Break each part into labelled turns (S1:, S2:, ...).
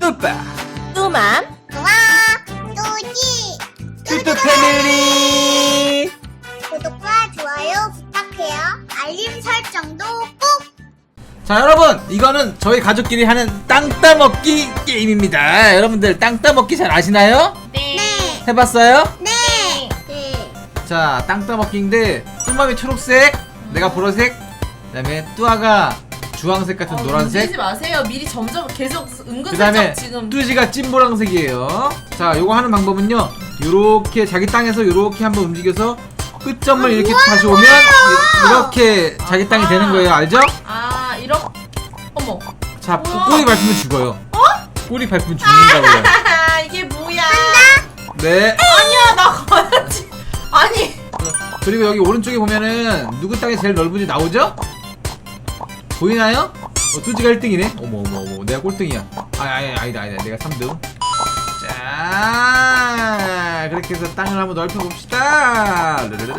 S1: 뚜빠
S2: 뚜맘
S3: 좋아 뚜지
S1: 뚜뚜 패밀리.
S3: 구독과 좋아요 부탁해요. 알림 설정도 꼭.
S1: 자 여러분, 이거는 저희 가족끼리 하는 땅 따먹기 게임입니다. 여러분들 땅 따먹기 잘 아시나요?
S2: 네.
S1: 해봤어요?
S3: 네. 네.
S1: 자, 땅 따먹기인데 뚜맘이 초록색, 내가 보라색, 그 다음에 뚜아가 주황색 같은 노란색,
S2: 움직이지 마세요. 미리 점점 계속
S1: 그
S2: 은근슬쩍
S1: 다음에
S2: 지금
S1: 뚜지가 찐보라색이에요. 자, 요거 하는 방법은요, 요렇게 자기 땅에서 요렇게 한번 움직여서 끝점을 이렇게 다시 오면 이렇게 자기 땅이 되는 거예요. 알죠?
S2: 이렇게 어머
S1: 자,
S2: 우와.
S1: 꼬리 밟으면 죽어요. 꼬리 밟으면 죽는다고요.
S2: 이게 뭐야?
S1: 네.
S2: 아니야 나 가야지. 아니
S1: 그리고 여기 오른쪽에 보면은 누구 땅이 제일 넓은지 나오죠? 보이나요? 뚜지가 1등이네? 어머 내가 꼴등이야. 아니다 내가 3등. 자, 그렇게 해서 땅을 한번 넓혀봅시다.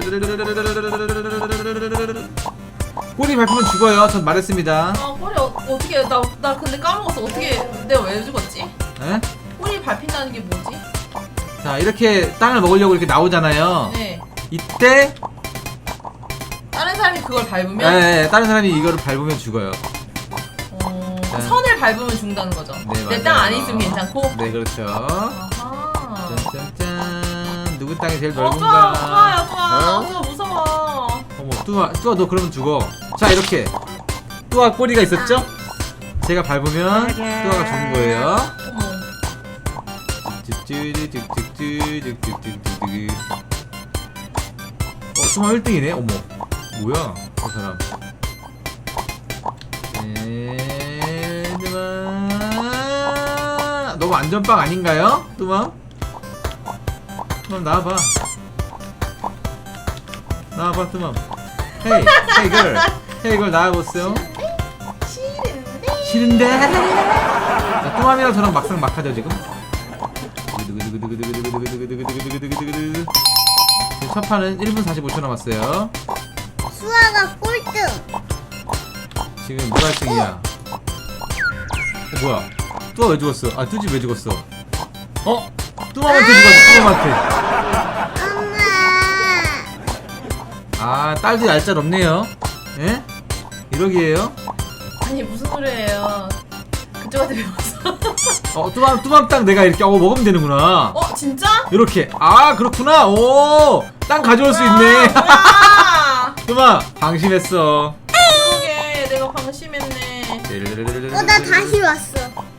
S1: 꼬리 밟으면 죽어요. 전 말했습니다.
S2: 꼬리 어떻게 나 근데 까먹었어. 어떻게 내가 왜 죽었지?
S1: 에?
S2: 꼬리 밟힌다는 게 뭐지?
S1: 자, 이렇게 땅을 먹으려고 이렇게 나오잖아요.
S2: 네.
S1: 이때
S2: 다른 사람이 그걸 밟으면
S1: 다른 사람이 이거를 밟으면 죽어요. 자.
S2: 선을 밟으면 죽는다는 거죠.
S1: 네,
S2: 내 땅
S1: 맞아요.
S2: 안에 있으면 괜찮고.
S1: 네, 그렇죠.
S2: 아하.
S1: 짠짠짠. 누구 땅이 제일
S2: 좋아
S1: 넓은가?
S2: 좋아 무서워.
S1: 어머, 뚜아 너 그러면 죽어. 자, 이렇게 뚜아 꼬리가 있었죠? 제가 밟으면 뚜아가 죽은 거예요.
S2: 어머.
S1: 뚜아 1등이네. 어머, 뭐야 저 사람. 뚜아 너무 안전빵 아닌가요? 뚜아 나와봐. 뚜맘. 헤이 걸 나와보세요. 싫은데? 자, 뚜맘이랑 저랑 막상 막하죠 지금. 지금 첫 판은 1분 45초 남았어요.
S3: 수아가 꼴등.
S1: 지금 누가 1등이야? 뭐야? 뚜아 왜 죽었어? 뚜지 왜 죽었어? 뚜맘한테 죽었어. 뚜맘한테.
S3: 엄마.
S1: 딸도 얄짤 없네요. 예? 이러기에요?
S2: 아니 무슨 소리예요? 그쪽한테 배웠어.
S1: 뚜맘 땅 내가 이렇게 먹으면 되는구나.
S2: 진짜?
S1: 이렇게. 그렇구나. 땅 가져올 수 있네.
S2: 뭐야?
S1: 뚜맘 방심했어.
S2: 그러게 내가 방심했네.
S3: 나 다시 왔어.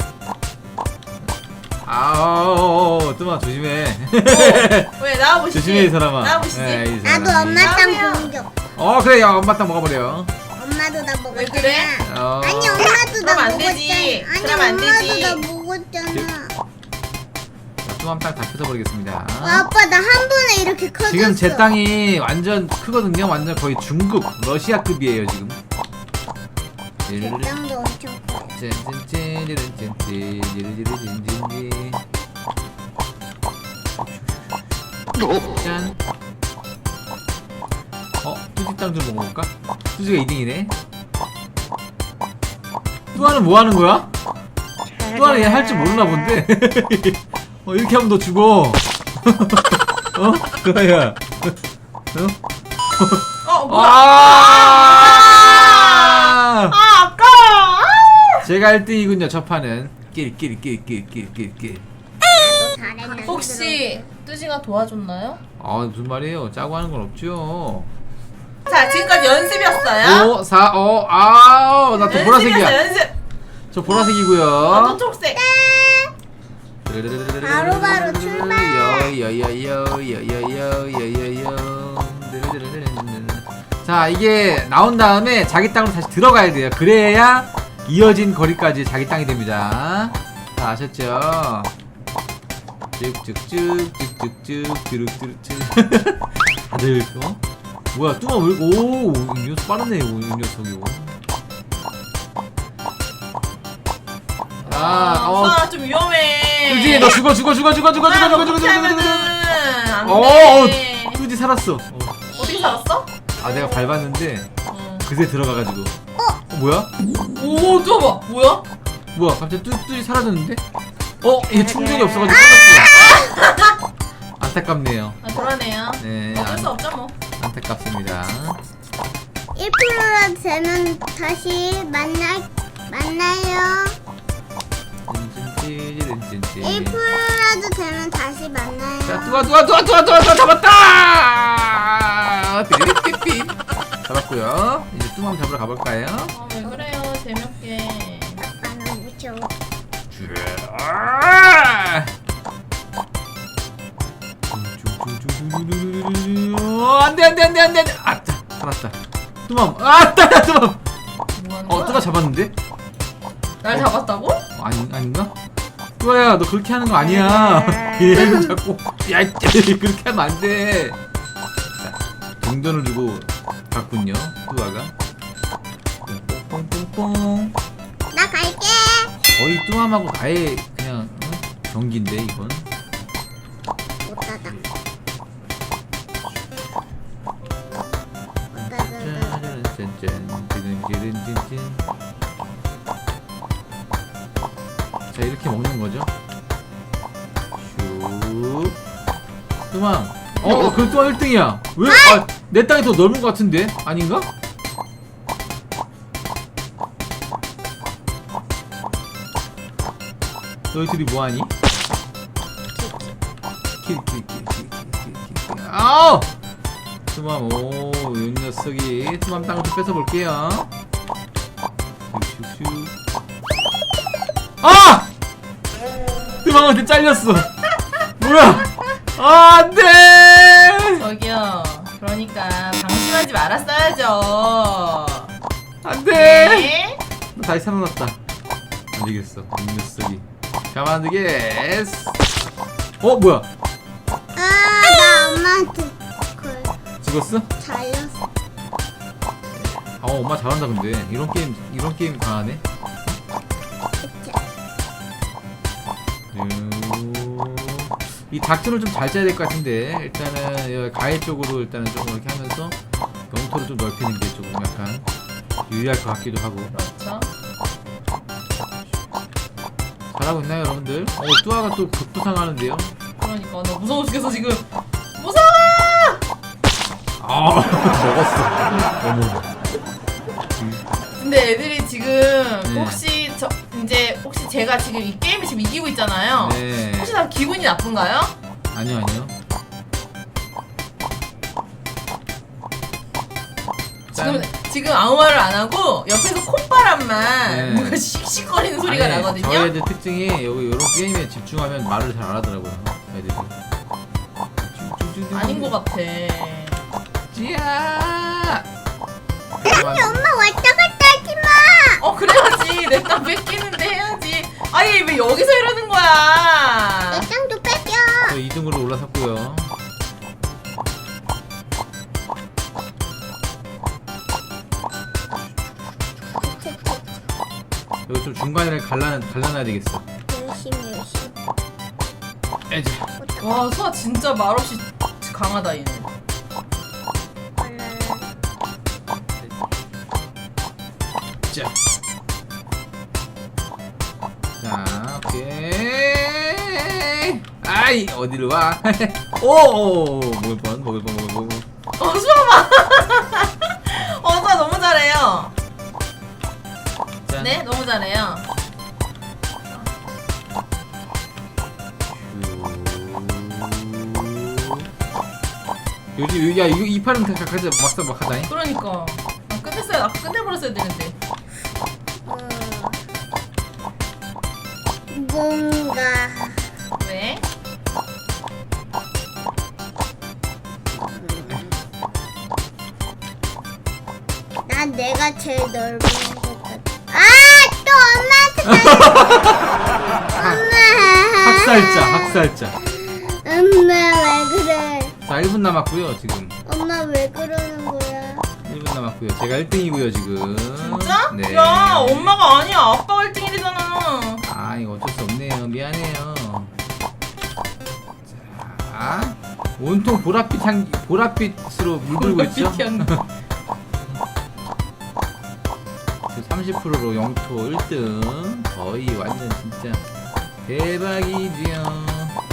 S1: 뚜맘 조심해.
S2: 왜 나와보시지?
S1: 조심해 이 사람아.
S2: 나와보시지.
S1: 이 사람이.
S3: 나도 엄마 땅
S2: 나도요.
S3: 공격.
S1: 그래, 야 엄마 땅 먹어버려.
S3: 엄마도 나 먹었잖아.
S2: 왜 그래?
S3: 아니 엄마도 나
S2: 그럼 안
S3: 먹었잖아.
S2: 되지.
S3: 아니
S2: 그럼 안
S3: 엄마도
S2: 되지.
S3: 나 먹었잖아.
S1: 뚜맘 땅 다 펴서버리겠습니다.
S3: 아빠 나 한 번에 이렇게 커졌어.
S1: 지금 제 땅이 완전 크거든요. 완전 거의 중국 러시아급이에요 지금.
S3: 내 땅도 엄청 커.
S1: 짠. 뚜지 땅 좀 먹어볼까? 뚜지가 2등이네. 뚜아는 뭐 하는 거야? 뚜아는 얘 할 줄 모르나 본데. 이렇게 하면 너 죽어. 뚜아야.
S2: 뭐야? 아까워.
S1: 제가 1등이군요. 첫 판은 끼리.
S3: 나도 잘했는데.
S2: 혹시 뚜지가 도와줬나요?
S1: 무슨 말이에요? 짜고 하는 건 없죠.
S2: 자 지금까지 연습이었어요.
S1: 5, 4, 나 또 보라색이야.
S2: 연습.
S1: 저 보라색이고요.
S2: 또 초록색.
S3: 바로 출발.
S1: 자, 이게 나온 다음에 자기 땅으로 다시 들어가야 돼요. 그래야 이어진 거리까지 자기 땅이 됩니다. 자, 아셨죠? 쭉쭉쭉 뚜룩뚜룩쭉. 다들 뭐야, 뚜마 왜? 이 녀석 빠르네, 이 녀석이.
S2: 좀 위험해.
S1: 뚜지, 너 죽어.
S2: 안돼.
S1: 뚜지 살았어.
S2: 어떻게 살았어?
S1: 내가 밟았는데 그새 들어가가지고. 뭐야?
S2: 오, 봐. 뭐야?
S1: 갑자기 뚜지 사라졌는데? 이게 충전이 없어가지고 끝났어. 안타깝네요.
S2: 아 그러네요.
S1: 네,
S2: 어쩔 수 없죠 뭐.
S1: 안타깝습니다.
S3: 1%라도 되면 다시 만나요. 1%라도 되면 다시 만나요.
S1: 자, 뚜아 잡았다! 삐삐삐삐. 잡았고요. 이제 뚜맘 잡으러 가볼까요?
S2: 왜 그래요 재미없게.
S3: 아빠는 무서워.
S1: 안돼. 아따, 살았다. 뚜맘, 아따, 뚜맘.
S2: 뭐 하는 거야?
S1: 뚜가 잡았는데?
S2: 날 잡았다고?
S1: 아닌가? 뚜아야, 너 그렇게 하는 거 아니야. 얘는 자꾸 야, 그렇게 하면 안 돼. 자, 동전을 주고 갔군요. 뚜아가. 뽕뽕뽕뽕.
S3: 나 갈게.
S1: 거의 뚜맘하고 아예 그냥 경기인데 이건.
S3: 못 닫아.
S1: 자, 이렇게 먹는 거죠. 슉. 뚜맘. 그 뚜맘 1등이야. 왜? 내 땅이 더 넓은 것 같은데? 아닌가? 너희들이 뭐하니? 아우! 뚜맘, 이 녀석이 뚜맘 땅을 좀 뺏어볼게요. 슉슉슉. 아! 뚜맘한테 잘렸어. 뭐야? 안돼!
S2: 저기요. 그러니까 방심하지 말았어야죠.
S1: 안돼!
S2: 네?
S1: 다시 살아났다. 안 되겠어. 이 녀석이. 가만 안 되겠어. 뭐야?
S3: 나 엄마한테
S1: 죽었어?
S3: 잘렸어.
S1: 엄마 잘한다 근데. 이런 게임 강하네. 이 닥터를 좀 잘 짜야 될 것 같은데. 일단은 여기 가해 쪽으로 일단은 조금 이렇게 하면서 영토를 좀 넓히는 게 조금 약간 유리할 것 같기도 하고.
S2: 그렇죠.
S1: 잘하고 있나요 여러분들? 뚜아가 또 급부상하는데요.
S2: 그러니까 나 무서워 죽겠어 지금. 무서워.
S1: 먹었어. 어머.
S2: 근데 애들이 지금
S1: 네.
S2: 혹시 제가 지금 이 게임을 지금 이기고 있잖아요.
S1: 네.
S2: 혹시 다 기분이 나쁜가요?
S1: 아니요.
S2: 지금 아무 말을 안 하고 옆에서 콧바람만
S1: 네.
S2: 뭔가 씩씩거리는 소리가
S1: 아니,
S2: 나거든요.
S1: 저희 애들 특징이 여기 이런 게임에 집중하면 말을 잘 안 하더라고요. 애들이.
S2: 아닌 것 같아.
S1: 찌야.
S3: 아니 엄마 왔다 갔다 하지 마.
S2: 그래야지. 내 땅 뺏기는데 해야지. 아니 왜 여기서 이러는 거야?
S3: 내 땅도 뺏겨.
S1: 저 2등으로 올라섰고요. 여기 좀 중간에 갈라놔야 되겠어.
S3: 열심히.
S1: 에이,
S2: 와 수아 진짜 말없이 강하다 얘는.
S1: 자, 오케이. 아이, 어디로 와? 먹을 뻔.
S2: 수아 봐. 수아 너무 잘해요.
S1: 짠.
S2: 네 너무 잘해요.
S1: 요즘 이거 이 판은 가자 막 하다니.
S2: 그러니까 아까 끝내버렸어야 되는데.
S3: 뭔가
S2: 왜?
S3: 난 내가 제일 넓은 것 같아. 또 엄마한테
S1: 학살자.
S3: 엄마 왜 그래?
S1: 자, 1분 남았고요 지금.
S3: 엄마 왜 그러는 거야?
S1: 1분 남았고요. 제가 1등이고요 지금.
S2: 진짜?
S1: 네.
S2: 야 엄마가 아니야. 아빠가 1등이잖아.
S1: 이거 어쩔 수 없네요. 미안해요. 자, 온통 보랏빛으로 물들고 있죠. 지금 30%로 영토 1등. 거의 완전 진짜 대박이지요.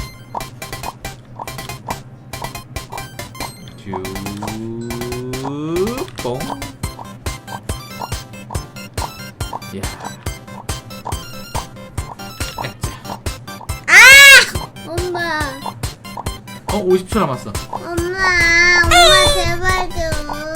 S1: 쭉, 뽕. 이야.
S3: 엄마.
S1: 50초 남았어.
S3: 엄마 제발 좀.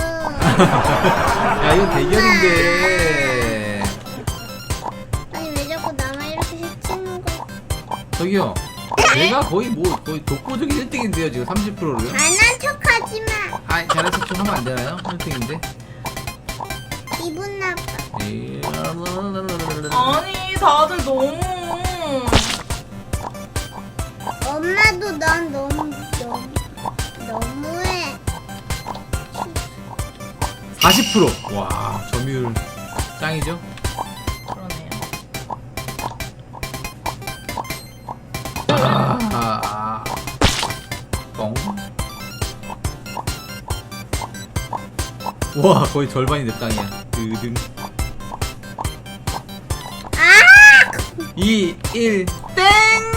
S1: 야, 이거 대결인데.
S3: 아니 왜 자꾸 나만 이렇게 해치는 거야?
S1: 저기요. 제가 거의 독보적인 1등인데요, 지금 30%를.
S3: 잘난 척하지 마.
S1: 아, 잘난 척 좀 하면 안 되나요? 1등인데.
S3: 기분 나빠.
S2: 아니 다들 너무.
S3: 엄마도 난 너무해.
S1: 40%. 와, 점유율 짱이죠?
S2: 그러네요.
S1: 뻥. 와, 거의 절반이 내 땅이야. 드등. 2, 1, 땡!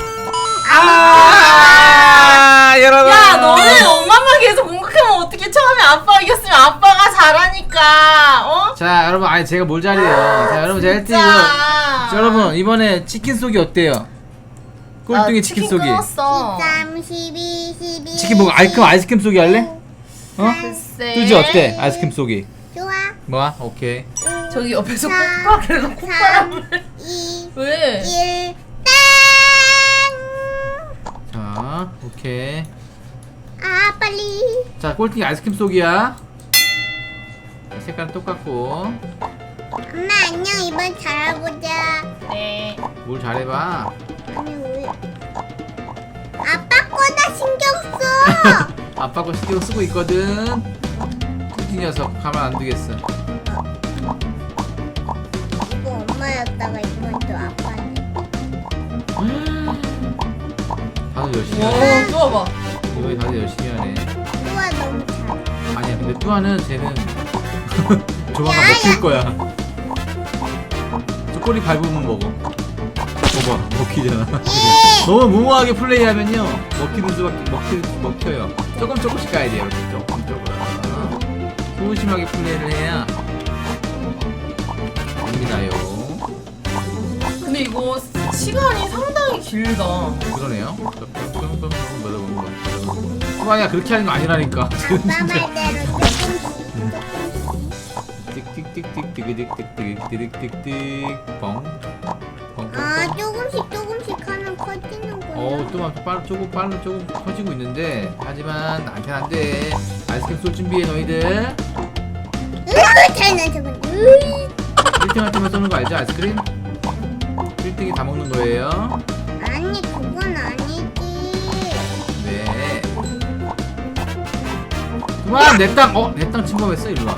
S1: 여러분!
S2: 야 너네 엄마만 계속 공격하면 어떻게? 처음에 아빠가 이겼으면 아빠가 잘하니까. 어?
S1: 자, 여러분, 아니 제가 뭘 잘해요. 자, 여러분, 제가 1등이고요. 자, 여러분, 이번에 치킨 쏘기 어때요? 꼴등이 치킨 쏘기.
S2: 끊었어.
S3: 13, 12, 12.
S1: 치킨 먹고 아이스크림 쏘기 할래? 어?
S2: 글쎄.
S1: 뚜지 어때? 아이스크림 쏘기.
S3: 좋아.
S1: 뭐야? 오케이.
S2: 저기 옆에서
S3: 사,
S2: 콧바람을 넣고 콧바람을.
S3: 2,
S2: 왜?
S3: 1, 땡!
S1: 자, 오케이.
S3: 아 빨리.
S1: 자, 꼴등이 아이스크림 쏘기야. 색깔은 똑같고.
S3: 엄마 안녕. 이번 잘해보자.
S2: 네.
S1: 뭘 잘해봐.
S3: 아니 왜? 아빠 거나 신경 써.
S1: 아빠 거 신경 쓰고 있거든. 뚜지 녀석 가만 안 두겠어.
S3: 이거 엄마였다가 이번 또 아빠네.
S1: 다들 열심히
S2: 와
S1: 하네.
S2: 좋아봐.
S1: 이번에 다들 열심히 하네.
S3: 또아 너무 잘해.
S1: 아니야, 근데 뚜아는 쟤는 조만간
S3: 야,
S1: 먹힐
S3: 야.
S1: 거야. 저 꼬리 밟으면 먹어. 봐봐, 먹히잖아.
S3: 예.
S1: 너무 무모하게 플레이하면요 먹히는 수밖에 먹혀요. 조금씩 가야 돼요. 이렇게 조금. 소심하게 플레이를 해야 됩니다요.
S2: 근데 이거 시간이 상당히 길다.
S1: 그러네요. 뚜아야 그렇게 하는 거 아니라니까.
S3: 아빠 말대로 조금씩.
S1: 띡띡띡띡띡띡띡띡띡띡 뻥.
S3: 아 조금씩 하면 커지는구나.
S1: 조금 커지고 있는데 하지만 나한테는 안 돼. 아이스크림 쏠 준비해 너희들.
S3: 잘난 척은.
S1: 1등한테만 쏘는 거 알죠? 아이스크림? 1등이 다 먹는 거예요.
S3: 아니 그건 아니지.
S1: 네. 그만 내 땅! 내 땅 침범했어. 일로 와.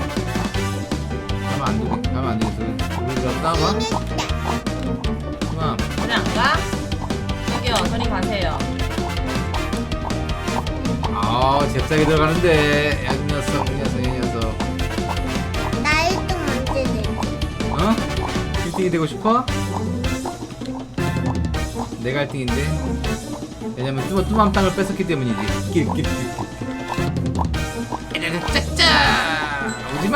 S1: 가면 안 되겠어. 우리가 싸워봐. 그만.
S2: 그래 안 가? 저기요 저리 가세요.
S1: 잽싸게 들어가는데. 이 녀석.
S3: 나 1등 언제 내?
S1: 1등이 되고 싶어? 내가 1등인데. 왜냐면 뚜맘 땅을 뺏었기 때문이지. 짜짜! 오지마!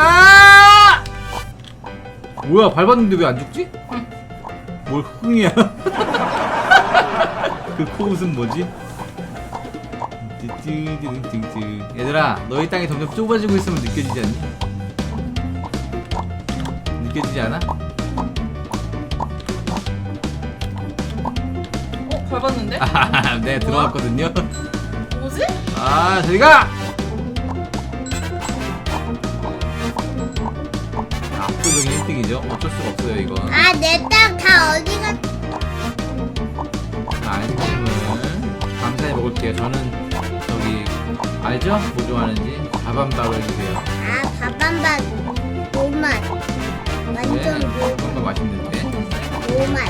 S1: 뭐야, 밟았는데 왜 안 죽지? 뭘 흥이야? 그 코웃음 뭐지? 얘들아, 너희 땅이 점점 좁아지고 있으면 느껴지지 않니? 느껴지지 않아?
S2: 밟았는데?
S1: 네, 들어왔거든요.
S2: 뭐지?
S1: 저리가! 압도적인 1등이죠. 어쩔 수가 없어요, 이건.
S3: 아 내 땅 다 어디 갔?
S1: 아이스크림을 감사히 먹을게요. 저는 저기 알죠? 뭐 좋아하는지 밥한밥을 해주세요.
S3: 아 밥한밥 노맛. 완전
S1: 밥한밥 맛있는데.
S3: 노맛.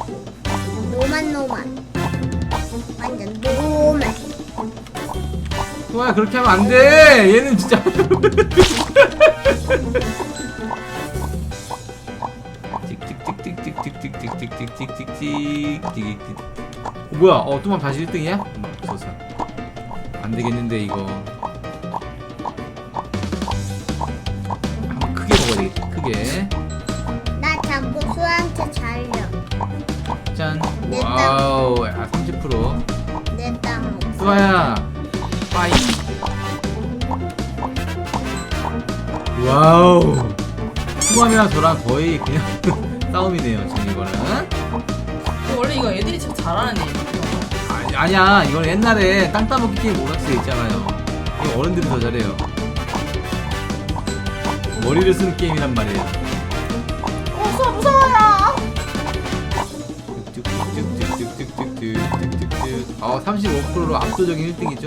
S3: 완전 노맛.
S1: 좋아요, 그렇게 하면 안 돼. 얘는 진짜. 찍찍찍찍찍찍찍찍찍찍찍찍찍찍 뭐야? 뚜맘 다시 1등이야? 없어서 안 되겠는데 이거. 한번 크게 먹어야 되겠다. 크게.
S3: 나 자꾸 수한테 잘려.
S1: 짠.
S3: 내
S1: 와우. 야, 30%.
S3: 내 땅.
S1: 수아야. 빠이. 와우. 수맘이랑 저랑 거의 그냥 싸움이네요. 지금 이거는.
S2: 원래 이거 애들이 참 잘하는 애.
S1: 아니야. 이건 옛날에 땅 따먹기 게임 오락실에 있잖아요. 이거 어른들이 더 잘해요. 머리를 쓰는 게임이란 말이에요.
S2: 수아 무서워요.
S1: 쭉쭉쭉쭉쭉쭉쭉쭉쭉쭉. 35%로 압도적인 1등이죠.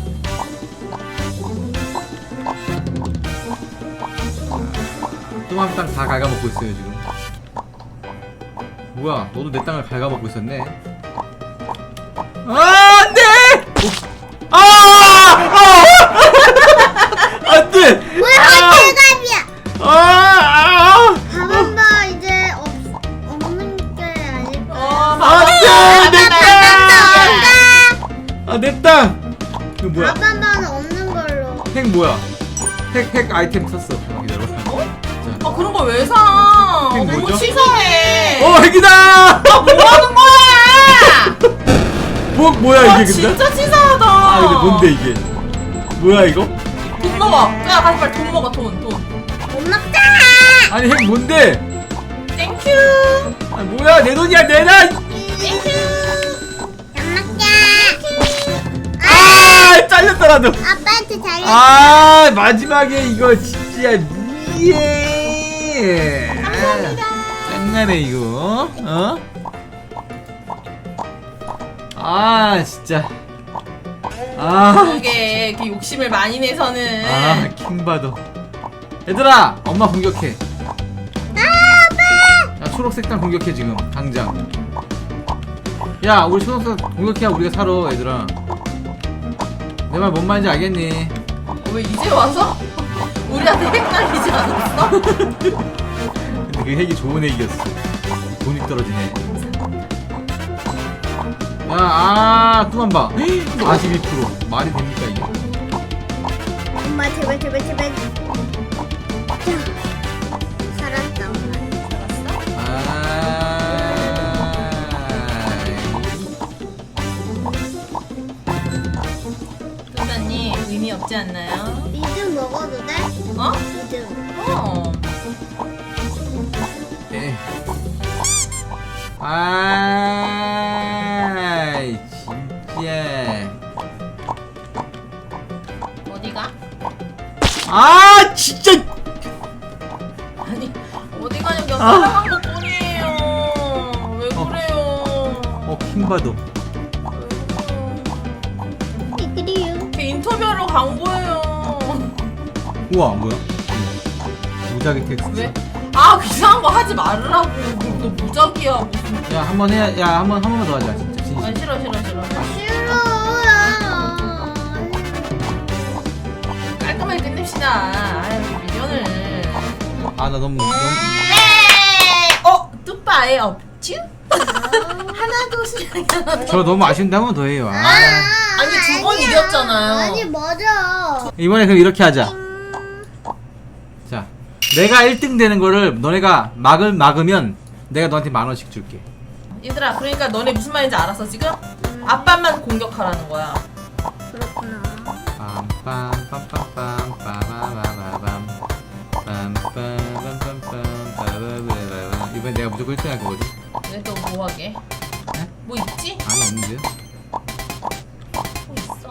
S1: 뚜맘 땅 다 갉아먹고 있어요 지금. 뭐야? 너도 내 땅을 갉아먹고 있었네. 안돼! 안돼!
S3: 왜 한대갑이야?
S1: 안돼!
S3: 가만봐 이제 없는 게 아닐까?
S1: 내 땅! 내 땅! 이거 뭐야?
S3: 가만봐는 없는 걸로.
S1: 핵 뭐야? 핵 아이템 샀어. 기다려.
S2: 아 그런 걸 왜 사?
S1: 이게
S2: 너무
S1: 뭐죠?
S2: 치사해.
S1: 핵이다!
S2: 뭐 하는 거야?
S1: 뭐야
S2: 아,
S1: 이게 근데?
S2: 진짜 치사하다.
S1: 근데 뭔데 이게? 뭐야 이거?
S2: 돈 먹어. 야 가지 말돈 먹어 돈.
S3: 못 먹자.
S1: 아니 핵 뭔데?
S2: 땡큐.
S1: 뭐야 내 돈이야 내놔!
S2: 땡큐.
S3: 안 먹자.
S1: 잘렸다 나도.
S3: 아빠한테 잘려.
S1: 마지막에 이거 진짜 감사합니다. 짱나네 이거. 진짜.
S2: 그게 이렇게 욕심을 많이 내서는.
S1: 킹받어. 얘들아 엄마 공격해. 야 초록색 땅 공격해 지금 당장. 야 우리 초록색 공격해야 우리가 살아 얘들아. 내 말 뭔 말인지 알겠니?
S2: 왜 이제 와서? 우리한테 핵날리지 않았어?
S1: 근데 그 핵이 좋은 핵이었어. 돈이 떨어지네. 야 뚜만 봐. 42%. 말이 됩니까 이게?
S3: 엄마 제발. 자, 살았다 엄마.
S2: 뚜다님 의미 없지 않나요?
S3: 리듬 먹어도 돼?
S2: 어?
S3: 리듬.
S1: 네. 진짜.
S2: 어디가?
S1: 진짜.
S2: 아니 어디 가냐고 사랑한 것 뿐이에요. 왜 그래요?
S1: 킹받어.
S3: 그래요.
S2: 걔 인터뷰하러 간 거예요.
S1: 우와 뭐야? 무작위 텍스트.
S2: 왜? 이상한 거 하지 말으라고. 너 무작이야 무슨.
S1: 야 한번 해야. 야 한 번만 더 하자 진짜 진심.
S2: 싫어.
S3: 싫어요.
S2: 깔끔하게 끝냅시다. 아유 미련을.
S1: 나 너무.
S2: 뚜빠에 없쥬? 하나도 수량이 하나.
S1: 저 너무 아쉬운데 한 번 더 해요.
S2: 아니, 두번
S3: 아니야.
S2: 이겼잖아요.
S3: 아니 맞아.
S1: 이번에 그럼 이렇게 하자. 자, 내가 1등 되는 거를 너네가 막으면 내가 너한테 10,000원씩 줄게.
S2: 얘들아 그러니까 너네 무슨 말인지 알았어 지금? 아빠만 공격하라는 거야.
S3: 그렇구나.
S1: 빰빰빰빰빰 빠바바바밤 빰빰빰빰빰 빠바바바밤. 이번엔 내가 무조건 1등 할 거거든.
S2: 왜 또 뭐 하게?
S1: 네?
S2: 뭐 있지?
S1: 아니 없는데요?
S2: 뭐 있어?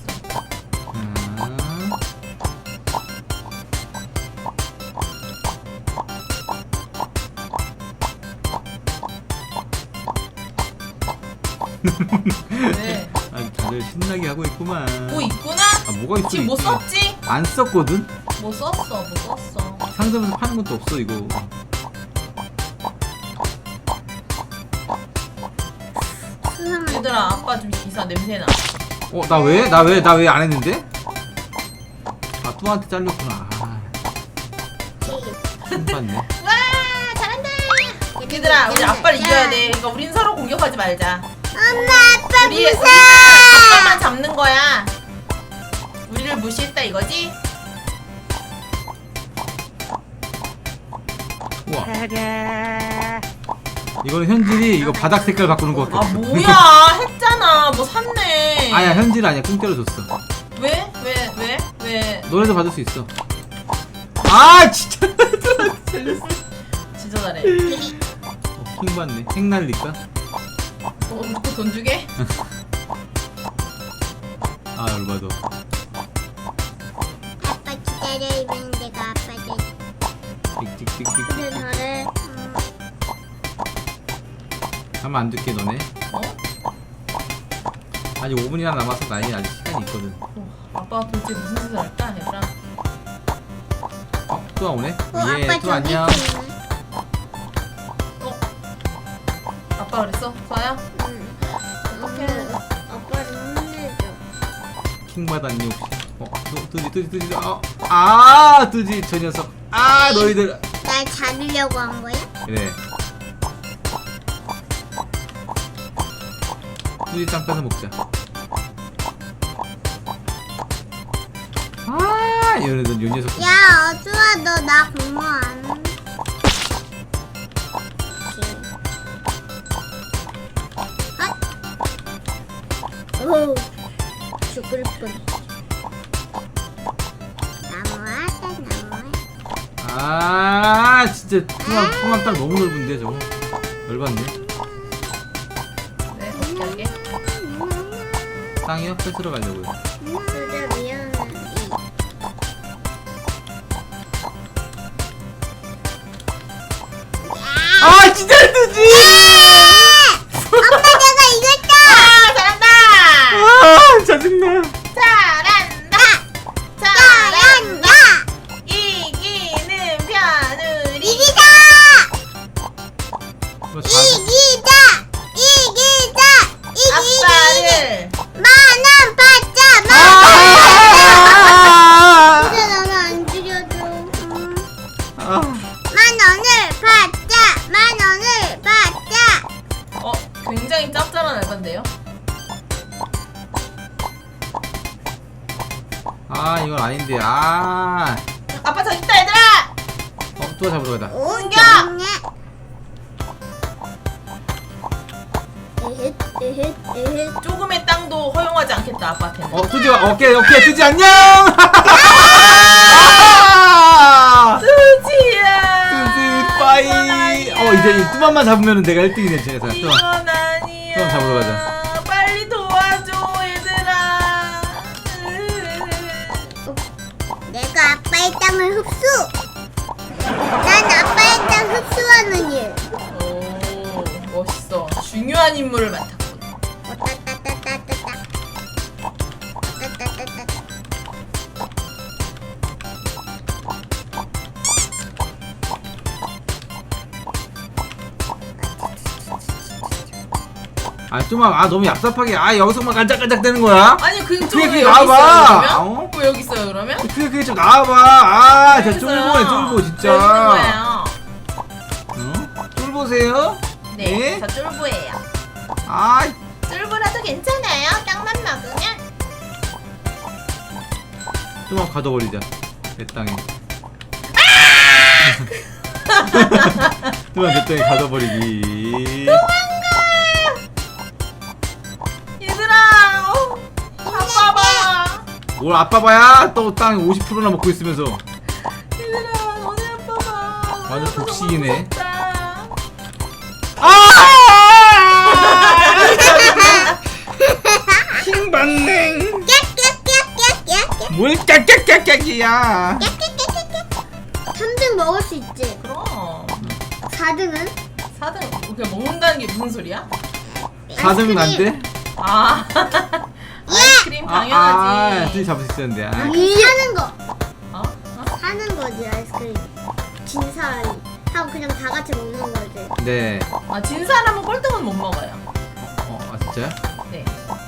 S2: 왜?
S1: 다들 신나게 하고 있구만.
S2: 뭐 있구나?
S1: 뭐가 있어?
S2: 지금 뭐
S1: 있긴.
S2: 썼지?
S1: 안 썼거든?
S2: 뭐 썼어.
S1: 상점에서 파는 것도 없어 이거.
S3: 수상한.
S2: 얘들아 아빠 좀 기사 냄새나.
S1: 나 왜 안 했는데? 뚜한테 잘렸구나. 힘받네.
S2: 와 잘한다. 얘들아 우리 아빠를 이겨야 돼. 그러니까 우린 서로 공격하지 말자.
S3: 엄마 아빠
S2: 우리
S3: 무서워.
S2: 아빠만 잡는 거야. 우리를 무시했다 이거지?
S1: 우와. 이거는 현질이 이거 바닥 색깔 바꾸는 거
S2: 아
S1: 같아.
S2: 뭐야 했잖아. 뭐 샀네.
S1: 아니야 현질 아니야. 공짜로 줬어.
S2: 왜? 왜?
S1: 너네도 받을 수 있어. 아 진짜.
S2: 진짜 잘해.
S1: 킹 받네. 핵 날릴까?
S2: 또 돈 주게?
S1: 아 열받아.
S3: 아빠 기다려면 내가 아빠 될.
S1: 찍찍찍찍.
S3: 그래 너를.
S1: 가만 안 둘게 너네.
S2: 어?
S1: 아직 5분이나 남아서 나에게 아직 시간이 있거든.
S2: 아빠가 도대체 무슨 짓을 할까 얘들아?
S1: 또 나오네?
S3: 아빠
S1: 예, 또 안녕.
S2: 아빠 그랬어? 좋아요?
S3: 응.
S2: 어떡해.
S3: 아빠를 혼내줘.
S1: 킹 받았니 혹시? 뜨지. 아, 뜨지 저 녀석. 아, 너희들.
S3: 날 잡으려고 한 거야?
S1: 그래. 뜨지 짱 빼서 먹자. 아, 요 녀석.
S3: 야 어쭈아 너 나 공모 안. 오 죽을 뻔. 나무하다 나무.
S1: 아, 진짜 통합 딱 너무 넓은데 저거. 열받네.
S2: 네 어떻게 할게?
S1: 땅이요? 뺏으러 가려고요.
S3: 진짜 미안해.
S1: 아, 진짜 뜨지!
S3: 엄마 내가 이겼다.
S2: 아 잘한다!
S1: 아, 짜증나.
S2: 잘한다!
S3: 잘한다.
S2: 이기는 편우리
S3: 이기자.
S1: 너 잘-
S3: 이기자.
S2: 아빠를
S3: 만원 받자.
S1: 아!
S3: 근데 나는 안 줄여줘.
S1: 아.
S3: 10,000원을 받자. 10,000원을 받자.
S2: 굉장히 짭짤한 알바인데요?
S1: 아, 이건 아닌데. 아.
S2: 아빠 저기 있다 얘들아!
S1: 또 잡으러 가다.
S2: 옮겨!
S3: 에헷.
S2: 조금의 땅도 허용하지 않겠다 아빠한테는.
S1: 뜨지 마. 오케이, 뜨지 안녕! 아!
S2: 뜨지야!
S1: 뜨지, 빠이! 이제 뚜만만 잡으면 내가 1등이네, 진짜. 뚜만.
S2: 이건 아니야.
S1: 뚜만 잡으러 가자.
S2: 빨리 도와줘 얘들아.
S3: 내가 아빠의 땅을 흡수. 난 아빠의 땅 흡수하는 일.
S2: 오 멋있어. 중요한 임무를 맡았군.
S3: 따따따따따따. 따따따따따.
S1: 아, 뚜만, 너무 얍삽하게. 여기서만 간짝간짝 되는 거야?
S2: 아니 그쪽에
S1: 그게
S2: 왜 여기
S1: 나와봐.
S2: 있어요 그러면?
S1: 어?
S2: 왜 여기 있어요 그러면?
S1: 그게 좀 나와봐. 진짜
S2: 있어요.
S1: 쫄보네, 진짜.
S2: 왜 여기 있는 거예요?
S1: 어? 쫄보세요?
S2: 네, 저 쫄보예요.
S1: 아,
S2: 쫄보라도 괜찮아요. 땅만 먹으면.
S1: 뚜만 가둬버리자. 내 땅에. 뚜만 내 땅에 가둬버리기.
S2: 얘들아, 아빠 봐.
S1: 뭘 아빠 봐야 또 땅 50%나 먹고 있으면서.
S2: 얘들아, 너네 아빠 봐.
S1: 완전 독식이네.
S2: 무섭다.
S1: 킹받네.
S3: 깍깍깍깍깍깍.
S1: 뭘 깍깍깍깍이야.
S3: 3등 먹을 수 있지.
S2: 그럼
S3: 4등은?
S2: 4등 그냥 먹는다는 게 무슨 소리야?
S1: 4등은 안 돼?
S2: 아, 아이스크림 당연하지.
S1: 둘이 잡을 수 있었는데. 아.
S3: 사는 거.
S2: 어?
S3: 사는 거지 아이스크림. 진 사람이 하고 그냥 다 같이 먹는 거지.
S1: 네.
S2: 아, 진 사람은 꼴등은 못 먹어요.
S1: 진짜요?
S2: 네.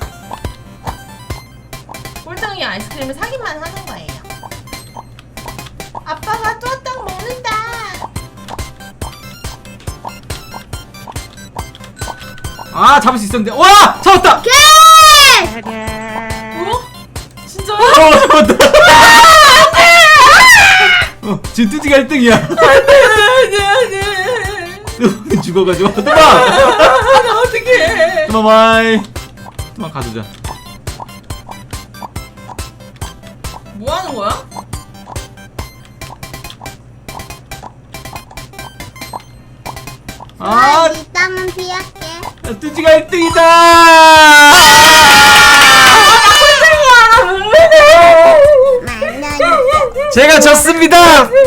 S2: 꼴등이 아이스크림을 사기만 하는 거예요. 아빠가 뚜아땅 먹는다.
S1: 아 잡을 수 있었는데. 와 잡았다.
S2: 어? 진짜?
S1: 잡았다. 지금 뚜지가 1등이야.
S2: 안돼.
S1: 죽어가지고. 뚜마.
S2: 나 어떡해.
S1: 뚜마 바이. 뚜마 가두자.
S2: 뭐 하는 거야?
S1: 아
S3: 이 땀은 피할게.
S1: 뚜지가 1등이다.
S3: 만난
S1: 제가 졌습니다.